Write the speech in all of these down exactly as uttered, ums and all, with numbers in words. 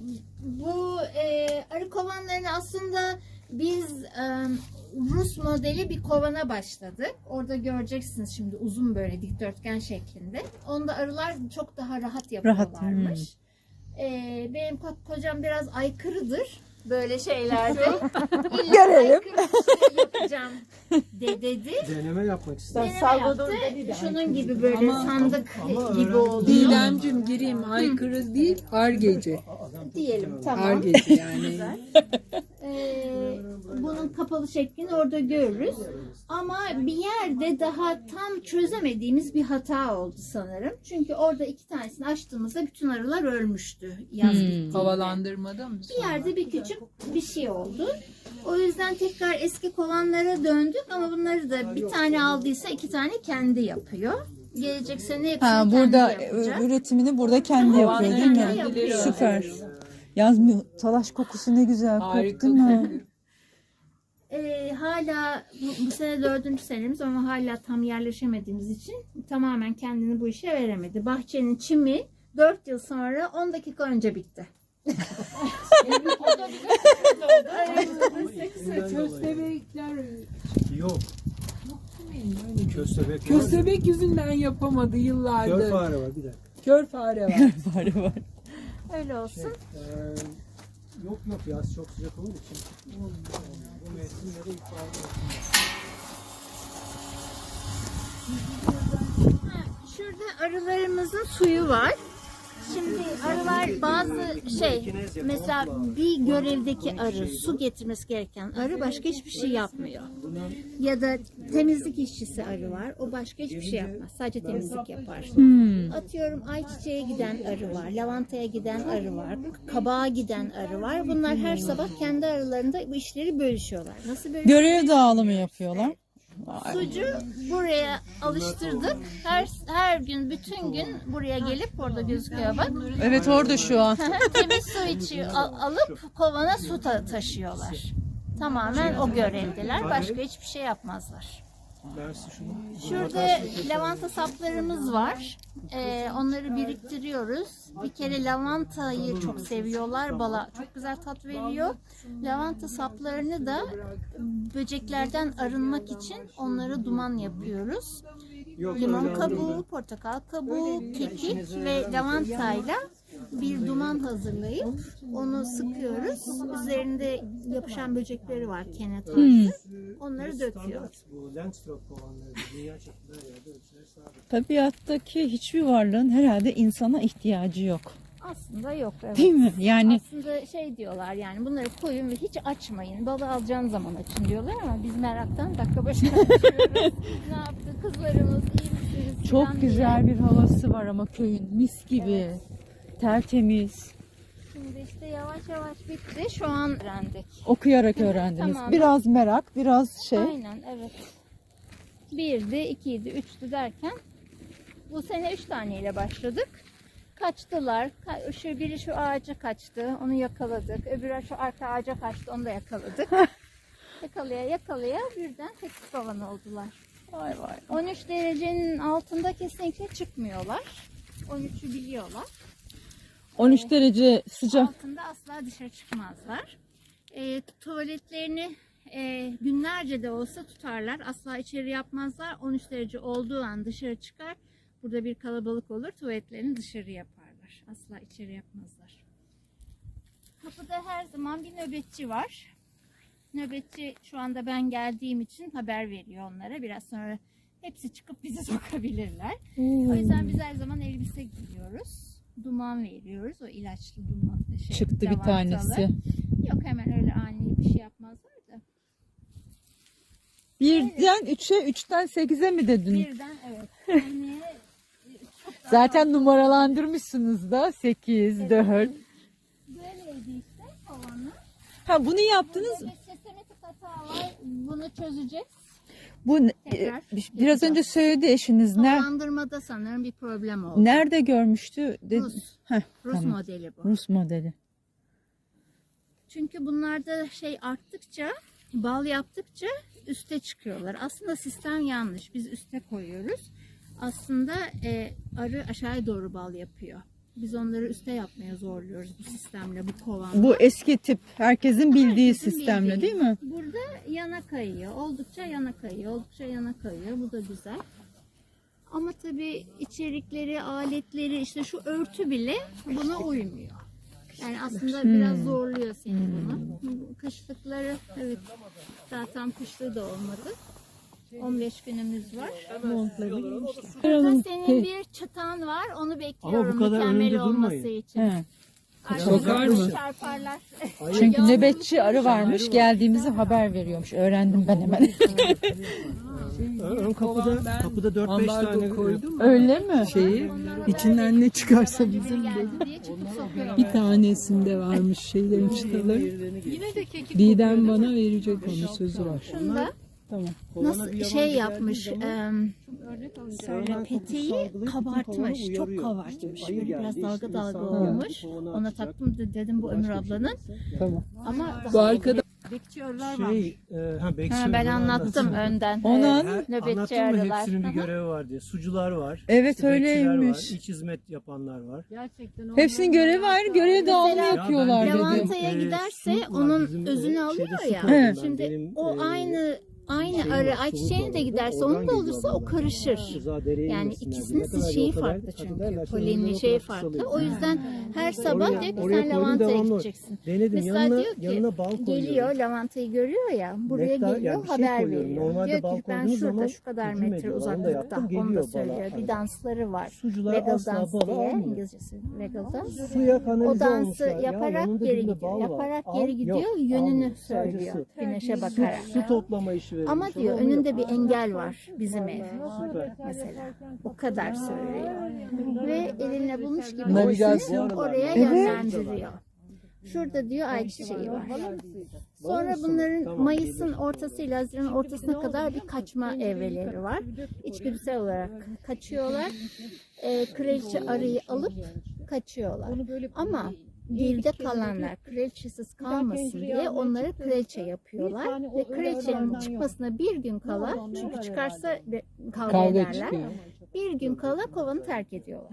bu e, arı kovanlarını aslında biz e, Rus modeli bir kovana başladık. Orada göreceksiniz şimdi uzun böyle dikdörtgen şeklinde. Onda arılar çok daha rahat yapıyorlarmış. Rahat, E, benim ko- kocam biraz aykırıdır böyle şeylerde. İlla Görelim. aykırı bir şey yapacağım de dedi. Deneme yapmak istedim. Deneme yaptı. Şunun gibi böyle sandık gibi oldu. Didemcim gireyim, aykırı değil, argeci. Diyelim tamam. Argeci yani. Ee, bunun kapalı şeklini orada görürüz. Ama bir yerde daha tam çözemediğimiz bir hata oldu sanırım. Çünkü orada iki tanesini açtığımızda bütün arılar ölmüştü yaz Hmm. bittiğinde. Havalandırmada mı? Bir yerde bir küçük bir şey oldu. O yüzden tekrar eski kovanlara döndük ama bunları da bir tane aldıysa iki tane kendi yapıyor. Gelecek sene hepsini Ha, kendi burada yapacak. üretimini burada kendi yapıyor değil kendi mi? yapıyor. Süper. Yaz mı? Talaş kokusu ne güzel Harika koktu mu? kokuyor. Ee, hala bu, bu sene dördüncü senemiz ama hala tam yerleşemediğimiz için tamamen kendini bu işe veremedi. Bahçenin çimi dört yıl sonra on dakika önce bitti. Köstebekler, Yok. Köstebek var. köstebek yüzünden yapamadı Kör yıllardır. fare var bir dakika. Kör fare var. Var var. Öyle olsun. Ee, yok yok yaz çok sıcak olduğu için. Bu mevsimlere ifade Ha, şurada arılarımızın suyu var. Şimdi arılar bazı şey mesela bir görevdeki arı su getirmesi gereken arı başka hiçbir şey yapmıyor. Ya da temizlik işçisi arı var. O başka hiçbir şey yapmaz. Sadece temizlik yapar. Atıyorum ayçiçeğe giden arı var. Lavantaya giden arı var. Kabağa giden arı var. Bunlar her sabah kendi aralarında bu işleri bölüşüyorlar. Nasıl bölüşüyorlar? Görev dağılımı yapıyorlar. Sucu buraya alıştırdık. Her her gün bütün gün buraya gelip orada gözüküyor bak. Evet orada şu an. Temiz su içiyor, al- alıp kovana su ta- taşıyorlar. Tamamen o görevdeler. Başka hiçbir şey yapmazlar. versin şunu. Şurada lavanta saplarımız var. Ee, onları biriktiriyoruz. Bir kere lavantayı çok seviyorlar. Bala çok güzel tat veriyor. Lavanta saplarını da böceklerden arınmak için onlara duman yapıyoruz. Yok, Limon öyle kabuğu, anladım. portakal kabuğu, kekik ve lavantayla bir duman hazırlayıp onu sıkıyoruz. Üzerinde yapışan böcekleri var kenet tarzı. Onları döküyoruz. Bu Langstroth kovanları dünya çapında her yerde ölçüleri sabit. Tabiattaki hiçbir varlığın herhalde insana ihtiyacı yok. Aslında yok. Evet. Değil mi? Yani Aslında şey diyorlar yani bunları koyun ve hiç açmayın. Balı alacağın zaman açın diyorlar ama biz meraktan dakika başına açıyoruz. Ne yaptı kızlarımız iyi misiniz? çok falan güzel diye. bir havası var ama köyün. Mis gibi. Tertemiz. Şimdi işte yavaş yavaş bitti. Şu an öğrendik. Okuyarak öğrendiniz. Tamam. Biraz merak, biraz şey. Aynen evet. Birdi, ikiydi, üçtü derken bu sene üç taneyle başladık. Kaçtılar. Ka- Şu biri şu ağaca kaçtı. Onu yakaladık. Öbürü şu arka ağaca kaçtı. Onu da yakaladık. yakalaya yakalaya birden sekiz kovan oldular. Vay vay. on üç derecenin altında kesinlikle çıkmıyorlar. on üçü biliyorlar. on üç derece sıcak. Altında asla dışarı çıkmazlar. E, tuvaletlerini e, günlerce de olsa tutarlar. Asla içeri yapmazlar. on üç derece olduğu an dışarı çıkar. Burada bir kalabalık olur. Tuvaletlerini dışarı yaparlar. Asla içeri yapmazlar. Kapıda her zaman bir nöbetçi var. Nöbetçi şu anda ben geldiğim için haber veriyor onlara. Biraz sonra hepsi çıkıp bizi sokabilirler. O yüzden biz her zaman elbise giyiyoruz. Duman veriyoruz. O ilaçlı duman. Şey, Çıktı bir lavantalı. tanesi. Yok hemen öyle ani bir şey yapmazlar da. Birden üçe, üçten sekize mi dedin? Birden evet. Yani çok daha Zaten numaralandırmışsınız da. sekiz, dört. böyleydi işte kovanı. Ha bunu yaptınız. Burada bir sistematik hata var. Bunu çözeceğiz. Bu Tekrar e, biraz yapacağız. önce söyledi eşiniz. Ner, Havalandırmada sanırım bir problem oldu. nerede görmüştü? Dedi. Rus. Heh, Rus tamam. modeli bu. Rus modeli. Çünkü bunlarda şey arttıkça, bal yaptıkça üste çıkıyorlar. Aslında sistem yanlış. Biz üste koyuyoruz. Aslında e, arı aşağıya doğru bal yapıyor. Biz onları üste yapmaya zorluyoruz bu sistemle, bu kovanla. Bu eski tip herkesin bildiği Herkesin sistemle bildiği. değil mi? Burada yana kayıyor. Oldukça yana kayıyor. Oldukça yana kayıyor. Bu da güzel. Ama tabii içerikleri, aletleri, işte şu örtü bile buna uymuyor. Yani aslında biraz zorluyor seni bunu. Bu kışlıkları, evet, zaten kışlığı da olmadı. on beş günümüz var. Burada senin bir çıtan var. Onu bekliyorum kadar mükemmel önünde olması durmayın. için. He. Sokar mı? Çarparlar. Çünkü nöbetçi arı varmış, geldiğimizi haber veriyormuş. Öğrendim ben hemen. Ön kapıda, kapıda dört beş tane Ambargo koydum. Öyle mi? Şeyi içinden ne çıkarsa bizim Geldi diye çıkıp sokuyorlar. bir tanesinde varmış şeylerin çıtaları. Yine de kekik Didem bana verecek onun sözü var. Şunda nasıl şey yapmış, em, söyle peteği kabartmış, çok kabartmış. Böyle biraz dalga dalga olmuş. Ona taktım da dedim bu Ömür ablanın. Tamam. Ama Bu arkada bekçi arılar var. Şey, e, ha, bekçi Ha, ben onu anlattım önden. Onu Evet, Her, nöbetçi anlattın mı arılar. hepsinin bir Hı hı. görevi var diye. Sucular var. Evet, işte bekçiler öyleymiş. var, iç hizmet yapanlar var. Hepsinin görevi ayrı, görev dağılımı Mesela yapıyorlar ben dedi. Lavantaya Ee, giderse su var, onun bizim, e, özünü şeyde alıyor su ya. koydum ben. Şimdi Benim, o e, aynı aynı şeyim arı var, ayçiçeğine suluk de var. giderse Oradan onun da geliyor olursa o bunlar. karışır. Rıza dereye Yani inmesinler diye. ikisinin Ne kadar şeyi yol kadar farklı kat çünkü. ederlerse Polenli onların şeyi o kadar farklı. kısalıyor. O yüzden her sabah Oraya- diyor ki oraya sen koydum, lavantaya devamlı. gideceksin. Denedim, Mesela yanına, diyor ki yanına bal koyuyorum. geliyor lavantayı görüyor ya buraya Nektar, geliyor yani bir şey haber koyuyorum. veriyor. Normalde Diyor bal ki ben koyduğunuz şurada zaman şu kadar hücum metre ediyor. Onu da uzaklıkta yaptım, onu geliyor da bala. söylüyor. Bir Hani dansları var. sucular Regal asla dans bala diye almıyor. İngilizcesi regal dans. Suya kanalize O dansı olmuşlar. Ya yaparak yanında geri dibinde gidiyor. bal var. Yaparak Al, geri gidiyor. yok, Yönünü almıyor. Sadece söylüyor. su. Güneşe Su, bakarak. su toplama işi verilmiş. Ama diyor Onu onu önünde bir yapıyor. engel var bizim ev. Süper. Mesela o kadar söylüyor. Ve elinle bulmuş gibi Navigasyon. seni oraya yönlendiriyor. Şurada diyor ayçiçeği var. Sonra bunların Mayıs'ın ortasıyla Haziran'ın ortasına kadar bir kaçma evreleri var. İçgüdüsel olarak kaçıyorlar. E, kraliçe arıyı alıp kaçıyorlar. Ama geride kalanlar kraliçesiz kalmasın diye onları kraliçe yapıyorlar. Ve kraliçenin çıkmasına bir gün kala, çünkü çıkarsa be- kavga kavga ederler. çıkıyor. Bir gün kala kovanı terk ediyorlar.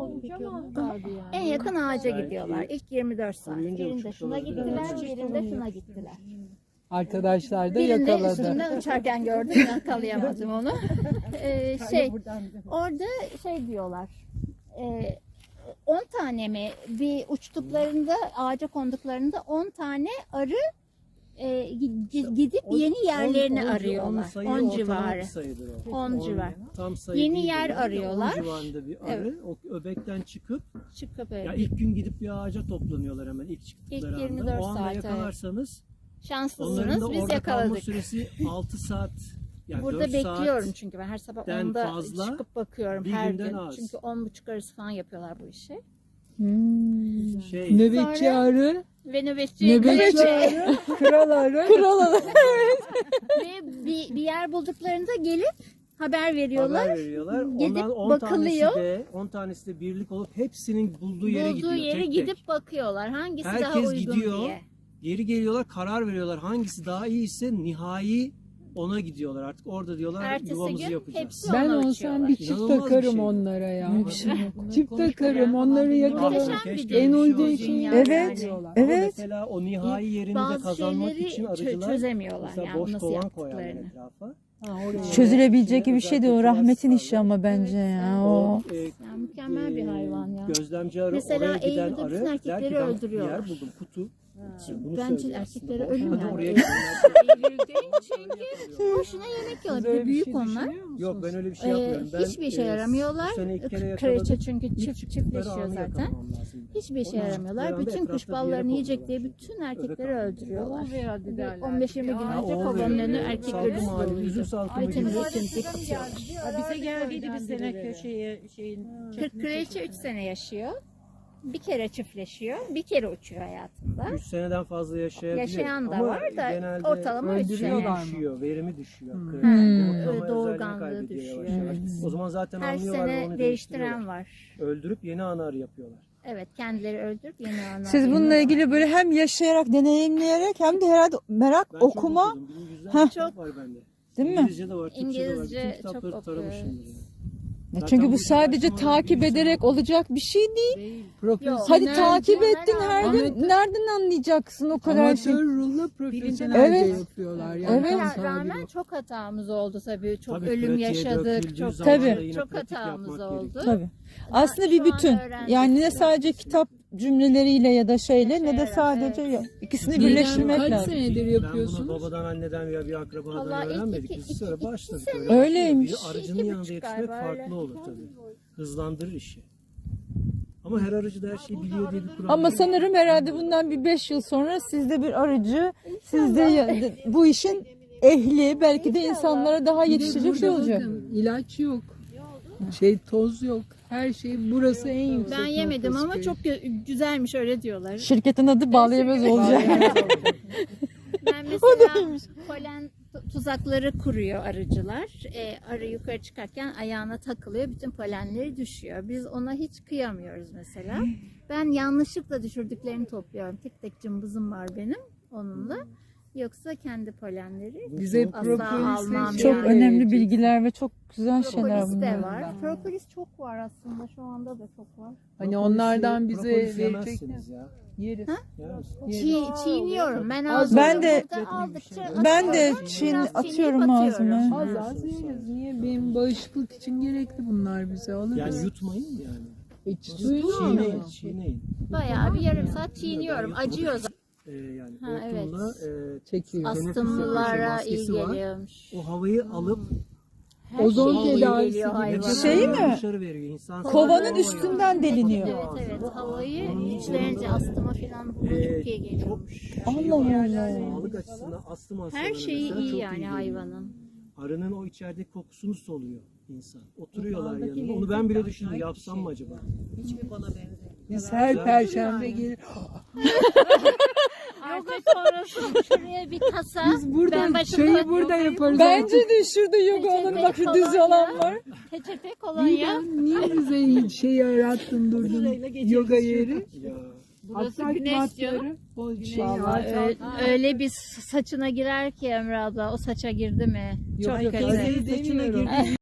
En yakın ağaca gidiyorlar. İlk yirmi dört saat. Birinde şuna gittiler, birinde şuna gittiler. Arkadaşlar da Birinde yakaladı. üstümden uçarken gördüm, yakalayamadım onu. Ee, şey, orada şey diyorlar. E, on tane mi bir uçtuklarında, ağaca konduklarında on tane arı e, gi- gidip yeni yerlerini On- on- on arıyorlar. sayı on ortalama civarı. bir sayıdır o. on civar. Tam sayı Yeni değildir yer yani. arıyorlar. on civarında bir arı. Evet. O öbekten çıkıp Çıkıp böyle ya ilk gün gidip bir ağaca toplanıyorlar hemen ilk çıktıkları İlk yirmi anda. dört O anda saat, evet. yakalarsanız onların şanslısınız da biz orada kalma yakaladık. süresi altı saat. Yani Burada dört bekliyorum saat çünkü ben her sabah den onda fazla, çıkıp bakıyorum bir her günden gün. az. Çünkü on buçuk arası falan yapıyorlar bu işi. Hmm. şey Nöbetçi Sonra- arı, Ve nöbetçi, nöbetçi nöbetçi. arı, kral arı. Kral arı. Ve bir, bir yer bulduklarında gelip haber veriyorlar. haber veriyorlar. Gidip Ondan on bakılıyor. tanesi de on tanesi de birlik olup hepsinin bulduğu yere Bulduğu gidiyor. yere tek gidip tek. bakıyorlar. Hangisi daha Herkes uygun gidiyor. diye. Geri geliyorlar, karar veriyorlar. Hangisi daha iyiyse nihai ona gidiyorlar. Artık orada diyorlar Ertesi yuvamızı gün yapacağız. hepsi Ben ona olsam uçuyorlar. bir çift İnanılmaz bir takarım şey. onlara ya. Öyle bir şey yok. Çift takarım, onları yakalarım. Muhteşem bir Keşke dünya. En bir şey uyduğu olsa. için Dünya Evet. yani. Ama Evet. mesela o nihai yerini de Bazı kazanmak şeyleri için çö- arıcılar çözemiyorlar mesela yani boş nasıl kovan koyarlar yaptıklarını. etrafa. Çözülebilecek gibi bir şey değil. O Özel rahmetin kokular işi ama bence ya. O. O e, Yani mükemmel bir hayvan ya. gözlemci arı Mesela oraya giden Eylül'de arı bütün der erkekleri ki ben öldürüyorlar. bir yer buldum kutu. Bunu Bence söylüyor erkekleri aslında. ölüm Hadi yani. oraya Eylül değil çünkü boşuna yemek yiyorlar. Bir de büyük onlar. Yok ben öyle bir şey Ee, yapmıyorum. Ben, hiçbir işe e, yaramıyorlar. bu sene ilk kere Kraliçe yakaladım. çünkü İlk çift çıktıkları çiftleşiyor anı zaten. yakalamam lazım. Hiçbir işe Onun yaramıyorlar. çıktıkları Bütün anda kuş etrafta bir yere ballarını yiyecek konuyorlar diye çünkü. bütün erkekleri Öbek öldürüyorlar. avlıyorlar. on beş yirmi gün Ha, önce o kovanın oluyor. önü Evet, erkek salgın ölüsü hali, doluydu. üzüm salkımı Bütün gibi. temizlik atıyorlar. Bize geldiydi bir sene köşeye şeyin. Kırk kraliçe üç sene yaşıyor. Bir kere çiftleşiyor. Bir kere uçuyor hayatında. üç seneden fazla yaşayabilir. Yaşayan da Ama var da genelde ortalama üç sene. öldürüyorlar düşüyor, verimi düşüyor. Hmm. Yumurtlama Öyle özelliğini doğurganlığı kaybediyor düşüyor. yavaş yavaş. O zaman zaten Her anlıyorlar ve sene onu değiştiren değiştiriyorlar. var. Öldürüp yeni ana arı yapıyorlar. Evet, kendileri öldürüp yeni ana. Siz bununla ilgili böyle hem yaşayarak, deneyimleyerek hem de herhalde merak, Ben okuma, çok okudum. Bin yüzden Heh. kitap var bende. değil mi? İngilizce de var, Türkçe de var. İngilizce Bütün kitapları çok taramışımdır okuyoruz. yani. Ya Zaten çünkü bu bu sadece çalışmalar takip bilimsel ederek olacak bir şey değil. Profesyonel. Hadi takip Genel ettin her gün. Amatör- Nereden anlayacaksın o kadar şey? Amatör ruhla profesyonelce Evet. yapıyorlar. Yani Evet. tam Rağmen sahibi. çok hatamız oldu tabii. Çok Tabii ölüm pratiğe yaşadık. döküldüğü Çok zaman Tabii. da yine çok pratik hatamız yapmak oldu. gerekiyor. Tabii. Aslında bir şu an bütün. öğrendik. Yani ne sadece kitap cümleleriyle ya da şeyle ne de Evet, sadece evet. ikisini Didem, birleştirmek kaç lazım. senedir Ben yapıyorsunuz? bunu babadan, anneden veya bir akrabadan Vallahi ilk öğrenmedik. iki- Biz iki- sonra iki başladık. sene- öyle. Öyleymiş. Bir aracının İki yanında buçuk yetişmek galiba, öyle. farklı olur tabii. Hızlandırır işi. Ama her aracı da her şeyi biliyor diye bir kural Ama yok. sanırım herhalde bundan bir beş yıl sonra sizde bir aracı, sizde ya- bu işin ehli, belki de insanlara daha Bir de yetişecek şey burada olacak. bakın, ilaç yok. Şey toz yok. Her şey burası en yüksek Ben yemedim noktası ama köy. çok gö- güzelmiş öyle diyorlar. Şirketin adı bağlayamaz olacak. Ben mesela polen tu- tuzakları kuruyor arıcılar. E, arı yukarı çıkarken ayağına takılıyor. Bütün polenleri düşüyor. Biz ona hiç kıyamıyoruz mesela. Ben yanlışlıkla düşürdüklerini topluyorum. Tek tek cımbızım var benim onunla. Yoksa kendi polenleri Bize asla propolisle almam şey Çok yani. önemli bilgiler ve çok güzel şeyler Propolis de bunlar. var. Propolis çok var aslında. Şu anda da çok var. Hani Propolis'i- onlardan bize propolis verecekler. yemezsiniz ya. Yeriz. Yer misiniz? Çiğ, çiğniyorum. Ben Az- aldım. Ben de- Burada aldıkça Ben de atıyorum. çiğ Biraz atıyorum çiğneyip ağzıma. atıyorum. Az az yeriz. Niye? Benim bağışıklık için gerekli bunlar bize. Alırız. Yani yutmayın yani. Hiç Çiğneyin, çiğneyin. Bayağı bir yarım saat çiğniyorum. Acıyor zaten. Ee, yani Ha, hortumla e, çekiyor. Astımlılara iyi maskesi var. geliyormuş. o havayı alıp Ozon şey iyi tedavisi geliyor gibi. hayvana. Şey mi? dışarı veriyor. İnsan Kovanın havayı üstünden deliniyor. Evet evet. Havayı içlerince astıma falan buna Ee, çok iyi geliyormuş. Allah Allah. Sağlık açısından astım hastalarına Her şeyi mesela iyi çok yani geliyor. hayvanın. Arının o içerideki kokusunu soluyor insan. Oturuyorlar yanında. Onu ben bile düşündüm. Yapsam mı acaba? Biz her perşembe gelir. Artık sonrası şuraya bir kasa. Biz burada ben başımda çayı burada yaparız. Bence de şurada yoga alanı bak şu düz alan var. peçete İyi kolonya. ben niye bize hiç şey yarattın durdun yoga yeri? Ya. Burası Asfalt güneş diyor. matları, o şey Vallahi öyle, öyle bir saçına girer ki Emre abla. O saça girdi mi? Çok Yok, kötü. öyle demiyorum.